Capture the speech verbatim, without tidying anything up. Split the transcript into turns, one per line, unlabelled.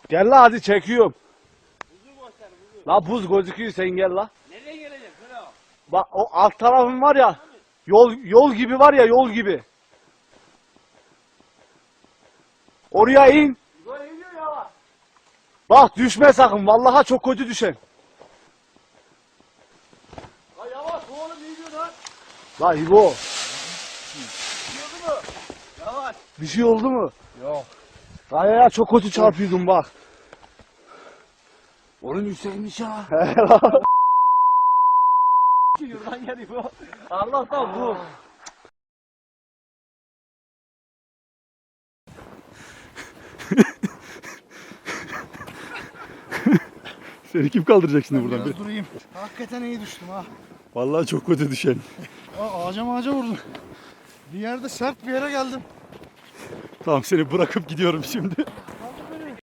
Gel la hadi çekiyorum. La buz gözüküyor sen gel la.
Nereye gelecek? Şöyle o.
Bak o alt tarafın var ya. Yol yol gibi var ya yol gibi. Oraya in.
Böyle iniyor ya.
Bak düşme sakın. Vallahi çok kötü düşen.
Ha yavaş oğlum iyi diyor lan.
La İbo.
Yiyordu mu? Yavaş.
Bir şey oldu mu?
Yok.
Kayaya çok kötü çarpıyordum bak.
Oğlum yükselmiş ya. Yurdan geliyor bu. Allah'tan bu.
Seni kim kaldıracak şimdi buradan?
Biraz durayım. Hakikaten iyi düştüm ha.
Vallahi çok kötü düşen.
Aa, ağaca ağaca vurdum. Bir yerde sert bir yere geldim.
Tamam seni bırakıp gidiyorum şimdi.